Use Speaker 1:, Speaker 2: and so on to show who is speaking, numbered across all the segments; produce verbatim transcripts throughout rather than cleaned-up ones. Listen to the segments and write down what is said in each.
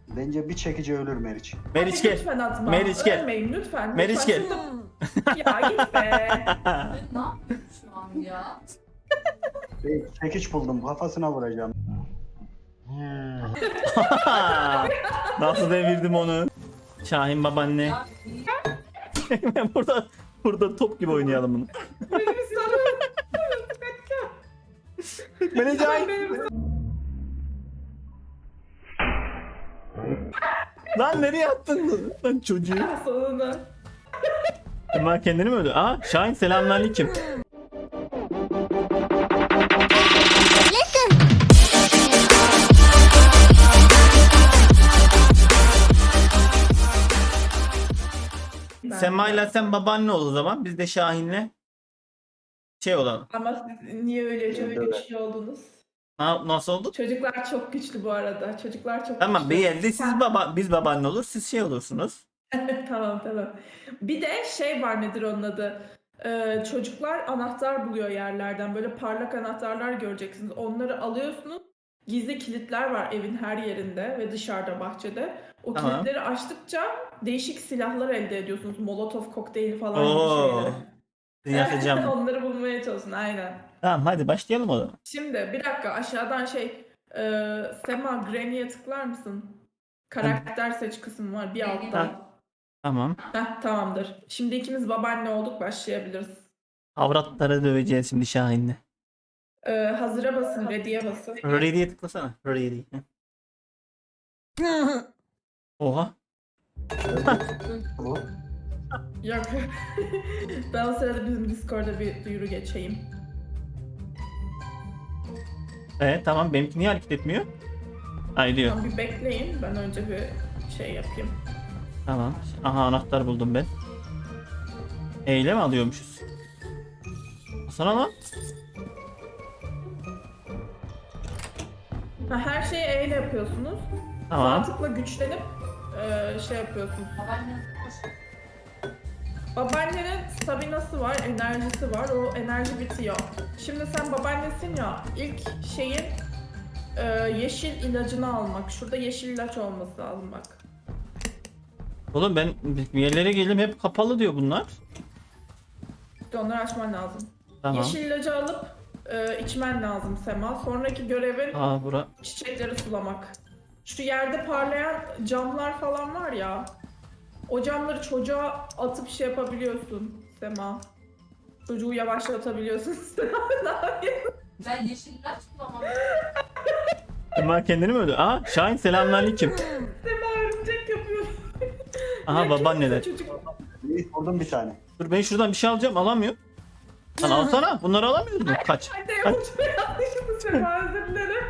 Speaker 1: Bence bir çekici ölür Meriç.
Speaker 2: Meriç
Speaker 3: Hadi
Speaker 2: gel.
Speaker 3: lütfen atma.
Speaker 2: Meriç gel.
Speaker 3: Ölmeyin lütfen.
Speaker 2: Meriç
Speaker 3: lütfen.
Speaker 2: gel.
Speaker 3: Şurada- Ya git be.
Speaker 4: Ne yapıyorsun şu an ya?
Speaker 1: Bir çekiç buldum, kafasına vuracağım.
Speaker 2: Nasıl devirdim onu? Şahin babaanne.
Speaker 4: Ya iyi.
Speaker 2: burada burada top gibi oynayalım bunu.
Speaker 3: Beni bir sarıl.
Speaker 2: Meriç ay.
Speaker 3: Benim
Speaker 2: Lan nereye attın? Lan çocuğu.
Speaker 3: sonuna.
Speaker 2: Ama kendini mi öldü? Aa Şahin selamünaleyküm. Sema'yla sen babaanne ol o zaman. Biz de Şahin'le şey olalım.
Speaker 3: Ama siz niye öyle çok
Speaker 1: Evet.
Speaker 3: güçlü oldunuz?
Speaker 2: Na- nasıl oldu?
Speaker 3: Çocuklar çok güçlü bu arada. Çocuklar çok
Speaker 2: Tamam
Speaker 3: güçlü.
Speaker 2: bir yerde siz baba biz babaanne olur, siz şey olursunuz.
Speaker 3: Tamam tamam. Bir de şey var, nedir onun adı? Ee, çocuklar anahtar buluyor yerlerden. Böyle parlak anahtarlar göreceksiniz. Onları alıyorsunuz. Gizli kilitler var evin her yerinde ve dışarıda, bahçede. O
Speaker 2: Tamam.
Speaker 3: kilitleri açtıkça değişik silahlar elde ediyorsunuz. Molotov kokteyli falan
Speaker 2: Oo.
Speaker 3: gibi şeyler.
Speaker 2: Yakacağım.
Speaker 3: Onları bulmaya çalışın aynen.
Speaker 2: Tamam hadi başlayalım o zaman.
Speaker 3: Şimdi bir dakika, aşağıdan şey e, Sema, Granny'e tıklar mısın? Karakter seç kısmı var bir
Speaker 4: Granny.
Speaker 3: altta.
Speaker 2: Tamam.
Speaker 3: Heh, tamamdır. Şimdi ikimiz babaanne olduk, başlayabiliriz.
Speaker 2: Avratları döveceğiz şimdi Şahin'le.
Speaker 3: Ee, hazıra basın, ready'ye basın.
Speaker 2: Ready'ye tıklasana. Ready. Oha.
Speaker 1: Bu.
Speaker 3: Yok. Ben o sırada bizim Discord'da bir duyuru geçeyim.
Speaker 2: Evet tamam benimki niye hareket etmiyor? Ay diyor.
Speaker 3: Tamam, bir bekleyin. Ben önce bir şey yapayım.
Speaker 2: Tamam. Aha anahtar buldum ben. Eyle mi alıyormuşuz? Sana lan.
Speaker 3: Ha, her şeyi E ile yapıyorsunuz. Sağ
Speaker 2: Tamam.
Speaker 3: tıkla güçlenip e, şey yapıyorsunuz.
Speaker 4: Babaanne hoş.
Speaker 3: Babaannenin staminası var, enerjisi var. O enerji bitiyor. Şimdi sen babaannesin ya, ilk şeyin e, yeşil ilacını almak. Şurada yeşil ilaç olması lazım bak.
Speaker 2: Oğlum ben bir yerlere geldim hep kapalı diyor bunlar.
Speaker 3: İşte onları açman lazım.
Speaker 2: Tamam.
Speaker 3: Yeşil ilacı alıp e, içmen lazım Sema. Sonraki görevin
Speaker 2: Aa bura.
Speaker 3: çiçekleri sulamak. Şu yerde parlayan camlar falan var ya. O camları çocuğa atıp şey yapabiliyorsun Sema. Çocuğu yavaşlatabiliyorsun Sema. Ne yapıyorsun?
Speaker 4: Ben yeşil ilaç kullanmam.
Speaker 2: Sema kendini mi öldü? Aa Şahin selamünaleyküm.
Speaker 3: Sema örümcek yapıyor.
Speaker 2: Aha
Speaker 3: Ya
Speaker 2: babaanneler.
Speaker 3: kimse çocuk-
Speaker 1: İyi, vurdum bir tane.
Speaker 2: Dur ben şuradan bir şey alacağım alamıyorum. Lan alsana bunları alamıyoruz mu? Kaç.
Speaker 3: Anne yapacağım yanlışlıkla Sema, özür dilerim.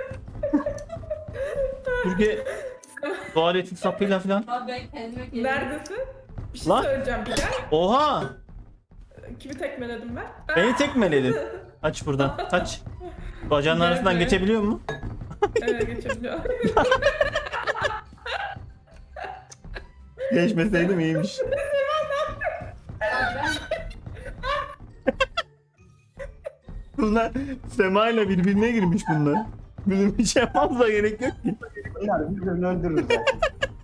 Speaker 2: Türkiye tuvaletin sapıyla falan.
Speaker 4: Ama ben kendime gelirim.
Speaker 3: Neredesin? Bir şey
Speaker 2: Lan.
Speaker 3: söyleyeceğim bir gel.
Speaker 2: Oha!
Speaker 3: Kimi tekmeledim ben?
Speaker 2: Beni tekmeledin. Aç buradan. Kaç. Bacağının
Speaker 3: Gel
Speaker 2: arasından
Speaker 3: buraya.
Speaker 2: geçebiliyor mu?
Speaker 3: Evet, geçebiliyor.
Speaker 2: Geçmeseydim iyiymiş.
Speaker 4: Ya ben
Speaker 2: Bunlar Sema ile birbirine girmiş bunlar. Bizim bir şey yapmamıza gerek yok ki.
Speaker 1: Bunlar birbirini öldürür zaten.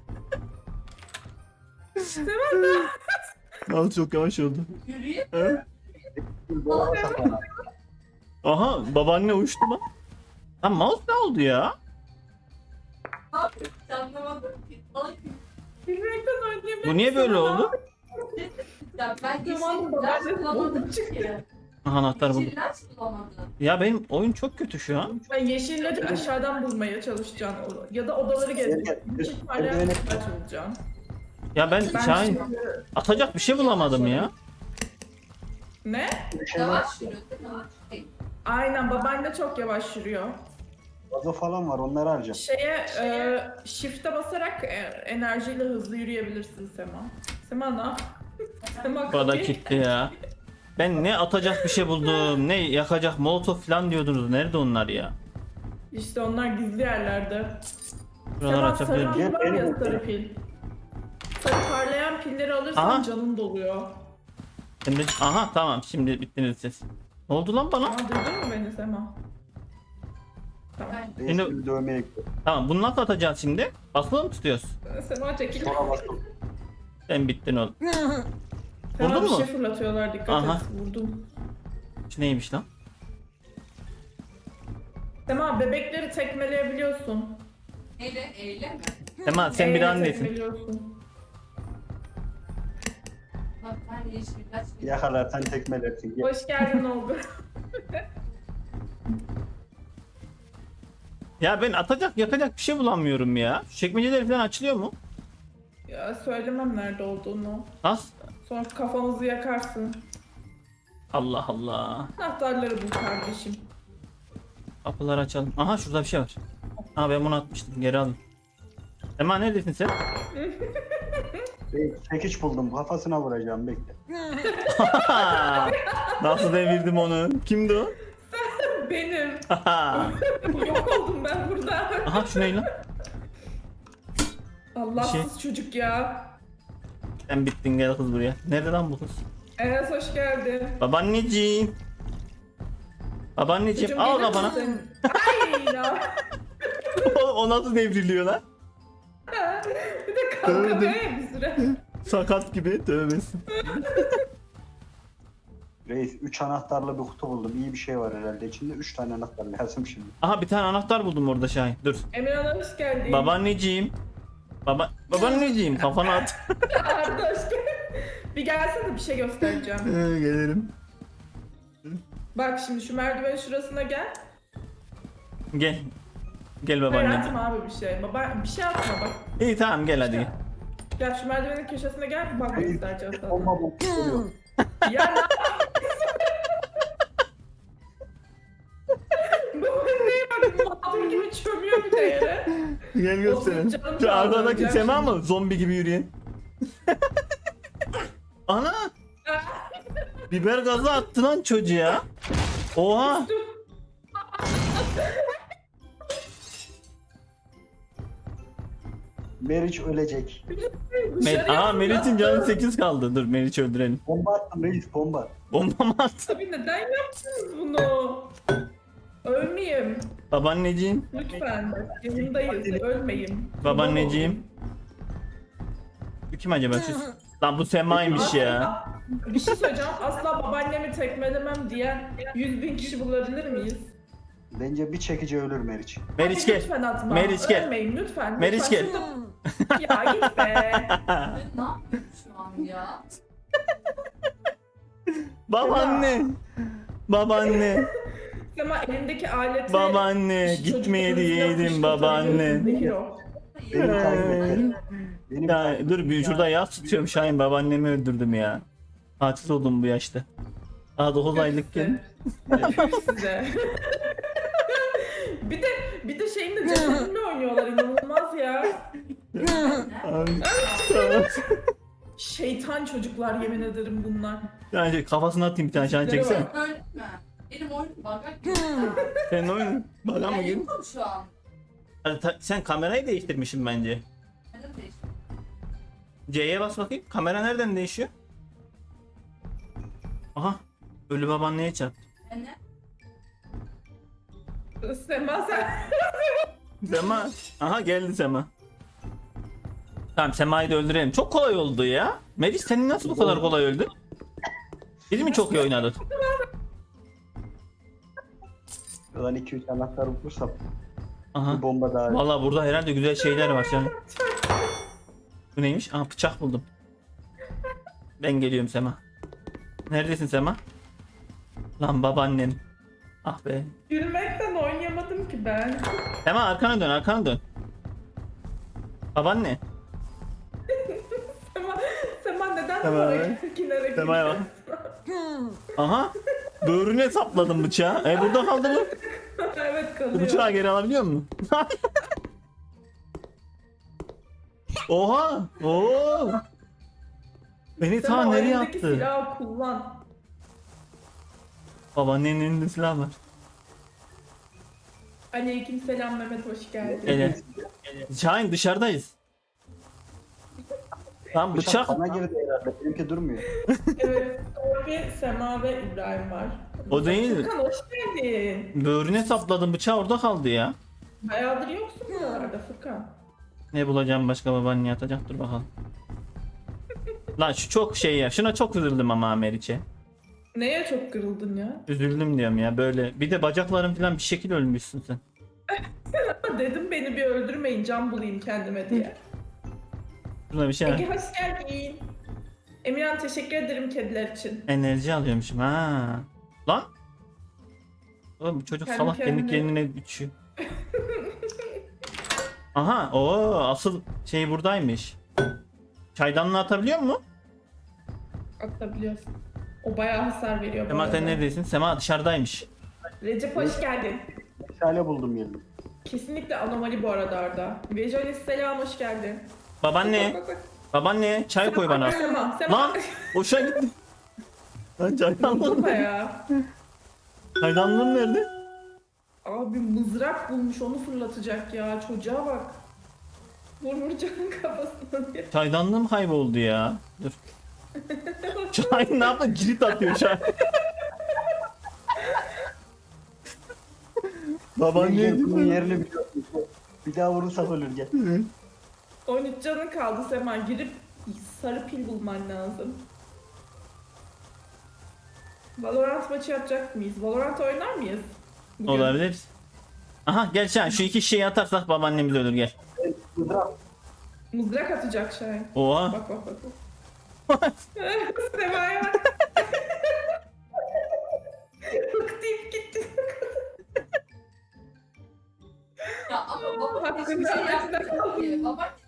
Speaker 2: Al çok yavaş oldu.
Speaker 4: yürüyüp
Speaker 2: Ha?
Speaker 1: Bir dolaba saklanır.
Speaker 2: Aha babaanne uçtu lan. Lan mouse ne oldu ya?
Speaker 4: ne yapıyorsun anlamadım ki. Salak gibi.
Speaker 3: Bilmekten oynayabilirim.
Speaker 2: Bu niye böyle oldu?
Speaker 4: Ya ben yeşil
Speaker 3: Zamanında
Speaker 4: ilaç
Speaker 3: babaanne
Speaker 4: kullanmadım
Speaker 3: oldu çıktı.
Speaker 4: ki.
Speaker 2: Aha anahtar buldum.
Speaker 4: Yeşil ilaç kullanmadım.
Speaker 2: Ya benim oyun çok kötü şu an.
Speaker 3: Ben yeşil ilacı aşağıdan bulmaya çalışacaksın. Ya da odaları gezeceksin. Yeşil parlayan
Speaker 1: Eldiveni-
Speaker 3: ilaç bulacaksın.
Speaker 2: Ya ben
Speaker 3: Ben
Speaker 2: Şahin
Speaker 3: şimdi...
Speaker 2: atacak bir şey bulamadım ya.
Speaker 3: Ne?
Speaker 4: Yavaş yürü. Yavaş değil.
Speaker 3: Aynen, babaanne çok yavaş yürüyor.
Speaker 1: Vazo falan var, onları harca.
Speaker 3: Şeye, e, shift'e basarak e, enerjiyle hızlı yürüyebilirsin Sema. Sema ne yap? Sema
Speaker 2: Bana
Speaker 3: kapıyı-
Speaker 2: gitti ya. Ben ne atacak bir şey buldum, ne yakacak molotof falan diyordunuz. Nerede onlar ya?
Speaker 3: İşte onlar gizli yerlerde.
Speaker 2: Buraları
Speaker 3: Sema, sarı
Speaker 2: açabilirim.
Speaker 3: pil var ya, sarı pil. Sarı parlayan pilleri alırsan
Speaker 2: Aha.
Speaker 3: canın doluyor.
Speaker 2: Şimdi aha tamam şimdi bittiniz siz. Ne oldu lan bana?
Speaker 3: Aa, duydun mu beni Sema? Tamam.
Speaker 1: Reis
Speaker 2: Şimdi-
Speaker 1: bir dövmeye gidiyor.
Speaker 2: Tamam bunu nasıl atacağız şimdi? Basılı mı tutuyoruz?
Speaker 3: Sema çekil.
Speaker 1: Sonra bastım.
Speaker 2: Sen bittin oğlum.
Speaker 3: Sema
Speaker 2: Vurdun
Speaker 3: bir
Speaker 2: mu?
Speaker 3: şey fırlatıyorlar, dikkat
Speaker 2: Aha.
Speaker 3: et. Vurdum.
Speaker 2: Şu neymiş lan?
Speaker 3: Sema bebekleri tekmeleyebiliyorsun.
Speaker 4: Eyle, eyle mi?
Speaker 2: Sema sen bir
Speaker 3: Eyle
Speaker 2: annesin.
Speaker 3: tekmeliyorsun.
Speaker 4: Bak ben yeşil kaç bir
Speaker 1: Yakalarsan tekmelersin. Gel.
Speaker 3: Hoş geldin oldu.
Speaker 2: Ya ben atacak yakacak bir şey bulamıyorum ya. Şu çekmeceler falan açılıyor mu?
Speaker 3: Ya söylemem nerede olduğunu.
Speaker 2: Nasıl?
Speaker 3: Sonra kafamızı yakarsın.
Speaker 2: Allah Allah.
Speaker 3: Anahtarları bul kardeşim.
Speaker 2: Kapıları açalım. Aha şurada bir şey var. Ha ben bunu atmıştım. Geri alayım. Sema neredesin sen?
Speaker 1: Reis çekiç buldum. Kafasına vuracağım. Bekle.
Speaker 2: Nasıl devirdim onu? Kimdi o?
Speaker 3: Benim.
Speaker 2: Aha
Speaker 3: Yok oldum ben burada.
Speaker 2: şu ne lan?
Speaker 3: Allahsız çocuk ya.
Speaker 2: Sen bittin gel kız buraya. Nerede lan bu kız?
Speaker 3: Enes hoş geldin.
Speaker 2: Babaanneciğim. Babaanneciğim
Speaker 3: Çocuğum
Speaker 2: al
Speaker 3: gelir
Speaker 2: kafana.
Speaker 3: misin? Ay ya.
Speaker 2: o, o nasıl devriliyor lan?
Speaker 3: Bir de kalkamıyor ya bir süre.
Speaker 2: Sakat gibi tövbesin.
Speaker 1: Reis üç anahtarlı bir kutu buldum. İyi bir şey var herhalde. İçinde üç tane anahtar lazım şimdi.
Speaker 2: Aha bir tane anahtar buldum orada Şahin. Dur.
Speaker 3: Emirhan hoş geldin.
Speaker 2: Babaanneciğim. Baba babaanneciğim kafana at.
Speaker 3: Arda hoş geldin. Bir gelsene bir şey göstereceğim.
Speaker 2: Ee, Gelirim.
Speaker 3: Bak şimdi şu merdivenin şurasına gel.
Speaker 2: Gel. Gel
Speaker 3: Hayır
Speaker 2: babaanneciğim.
Speaker 3: atma abi bir şey. Baba bir şey atma bak.
Speaker 2: İyi tamam gel hadi gel.
Speaker 3: Gel şu merdivenin köşesine gel. Bak
Speaker 1: Reis
Speaker 3: göstereceğim sana.
Speaker 1: olma bu. Geliyor.
Speaker 3: Ya ne Babaanneye bak mağdur gibi çömüyor bir de yere.
Speaker 2: Gel gösterelim.
Speaker 3: Olsun, canım
Speaker 2: Şu
Speaker 3: kaldı,
Speaker 2: arkadaki
Speaker 3: öleceğim
Speaker 2: Sema
Speaker 3: şimdi.
Speaker 2: mı? Zombi gibi yürüyen. Ana! Biber gazı attı lan çocuğa. Oha!
Speaker 1: Meriç ölecek.
Speaker 2: Mer
Speaker 3: Dışarıya
Speaker 2: Aa
Speaker 3: fırlat.
Speaker 2: Meriç'in canı sekiz kaldı. Dur Meriç'i öldürelim.
Speaker 1: Bomba attım reis bomba.
Speaker 2: Bomba mı attı?
Speaker 3: Tabii neden yaptınız bunu? Ölmeyeyim.
Speaker 2: Babaanneciğim.
Speaker 3: Lütfen. Bak, yanındayız. Ölmeyeyim.
Speaker 2: Babaanneciğim. Bu kim acaba şu? Lan bu Sema'ymış ya.
Speaker 3: Bir şey söyleyeceğim. Asla babaannemi tekmelemem diyen yüz bin kişi bulabilir miyiz?
Speaker 1: Bence bir çekici ölür Meriç.
Speaker 2: Meriç
Speaker 3: Hadi
Speaker 2: gel.
Speaker 3: Lütfen atma.
Speaker 2: Meriç gel.
Speaker 3: Ölmeyin lütfen.
Speaker 2: Meriç
Speaker 3: Lütfen.
Speaker 2: gel.
Speaker 3: Şurada- Ya git be.
Speaker 4: Ben ne yapıyorum şu an ya?
Speaker 2: Babaanne. Babaanne.
Speaker 3: Ama elindeki aleti...
Speaker 2: Babaanne.
Speaker 3: Şu
Speaker 2: Gitmeye
Speaker 3: çocukların
Speaker 2: diyeydin
Speaker 3: yapıştı
Speaker 2: babaanne.
Speaker 3: tabii, hero.
Speaker 1: Beni takip et. Beni
Speaker 2: Ya
Speaker 1: takip et.
Speaker 2: dur bir şurada yaz tutuyorum Şahin babaannemi öldürdüm ya. Katil oldum bu yaşta. Daha dokuz aylıkken.
Speaker 3: Tüh size. bir de bir de şeyin de cesedimle oynuyorlar, inanılmaz ya. Şeytan çocuklar, yemin ederim bunlar.
Speaker 2: Yani kafasına atayım bir tane Şahin çeksene.
Speaker 4: Öyle mi? Benim oyun bagaj yok.
Speaker 2: Sen oyun. Bana mı
Speaker 4: Ben
Speaker 2: gel?
Speaker 4: yokum şu an.
Speaker 2: Hadi ta- Sen kamerayı değiştirmişsin bence.
Speaker 4: Neden değişti?
Speaker 2: C'ye bas bakayım. Kamera nereden değişiyor? Aha. Ölü babaanneye çarptı.
Speaker 4: Ne?
Speaker 3: Sema sen...
Speaker 2: Sema. Aha geldi Sema. Tamam Sema'yı da öldürelim. Çok kolay oldu ya. Meriç senin nasıl bu kadar kolay öldün? Biz mi çok iyi oynadık?
Speaker 1: Ulan iki üç anahtar bulursam
Speaker 2: Aha.
Speaker 1: bir bomba daha.
Speaker 2: Vallahi burada herhalde güzel şeyler var canım. Bu neymiş? Aa bıçak buldum. Ben geliyorum Sema. Neredesin Sema? Lan babaannem. Ah be.
Speaker 3: Gülmekten oynayamadım ki ben.
Speaker 2: Sema arkana dön arkana dön. Babaanne.
Speaker 3: Sema, Sema neden
Speaker 2: Sema.
Speaker 3: böyle kinere
Speaker 2: Sema'ya bak. Aha. Böğrüne sapladım bıçağı. E burada kaldı bu.
Speaker 3: Evet
Speaker 2: Bu
Speaker 3: kalıyor.
Speaker 2: bıçağı geri alabiliyor musun? Oha! Oo! Beni ta
Speaker 3: Sema, o
Speaker 2: nereye
Speaker 3: elindeki
Speaker 2: attı?
Speaker 3: silahı kullan.
Speaker 2: Babaannenin elinde silah var.
Speaker 3: Aleyküm selam Mehmet, hoş geldin.
Speaker 2: Evet. Şahin dışarıdayız. Tam
Speaker 1: Bıçak
Speaker 2: bıçak.
Speaker 1: bana girdi herhalde. Benimki durmuyor.
Speaker 3: Evet, Torbi, Sema ve İbrahim var.
Speaker 2: O değil.
Speaker 3: Furkan hoş geldin.
Speaker 2: Böğrüne sapladım, bıçağı orada kaldı ya.
Speaker 3: Bayağıdır yoksun buralarda Furkan.
Speaker 2: Ne bulacağım başka, babaanne atacak, dur bakalım. Lan şu çok şey ya, şuna çok üzüldüm ama Meriç'e.
Speaker 3: Neye çok kırıldın ya?
Speaker 2: Üzüldüm diyorum ya böyle. Bir de bacaklarım falan bir şekil ölmüşsün sen.
Speaker 3: Dedim beni bir öldürmeyin, can bulayım kendime diye.
Speaker 2: Şuna bir şey
Speaker 3: Ege hoş geldin. Emirhan teşekkür ederim kediler için.
Speaker 2: enerji alıyormuşum ha. Lan. Oğlum bu çocuk
Speaker 3: Kendi
Speaker 2: salak kendi
Speaker 3: kendine-
Speaker 2: kendine içiyor. Aha, o asıl şey buradaymış. Çaydanlığı atabiliyor mu?
Speaker 3: Atabiliyorsun. O bayağı hasar veriyor bu
Speaker 2: Sema sen
Speaker 3: arada.
Speaker 2: neredesin? Sema dışarıdaymış.
Speaker 3: Recep hoş geldin.
Speaker 1: Şale buldum geldim.
Speaker 3: Kesinlikle anomali bu arada Arda. Vejonis selam hoş geldin.
Speaker 2: Babaanne.
Speaker 3: Bak, bak, bak.
Speaker 2: Babaanne çay koy bana.
Speaker 3: Sema, Sema.
Speaker 2: Lan hoşa gitti. Lan çaydanlığım.
Speaker 3: Baba ya.
Speaker 2: Çaydanlığım nerede?
Speaker 3: Abi mızrak bulmuş onu fırlatacak ya. Çocuğa bak. Vur vur canın kafasına diye.
Speaker 2: Çaydanlığım kayboldu ya. Dur. Çay ne yaptı? Cirit atıyor çay. Babaanne.
Speaker 1: Gel, gel, bunun yerini biliyorsun. Bir daha vurursak ölür gel.
Speaker 3: on üç canın kaldı Sema. Girip sarı pil bulman lazım. Valorant maçı yapacak mıyız? Valorant oynar mıyız? Bugün.
Speaker 2: Olabilir. Aha gel Şahin, şu iki şeyi atarsak babaannemiz ölür, gel.
Speaker 1: Mızrak.
Speaker 3: Mızrak atacak şey.
Speaker 2: Oha.
Speaker 3: Bak bak bak. bak. Sema'ya bak. Bık deyip gitti.
Speaker 4: Ya ama baba hiçbir
Speaker 3: Hakkında
Speaker 4: şey
Speaker 3: hakkında
Speaker 4: yapmıyor ki. Baba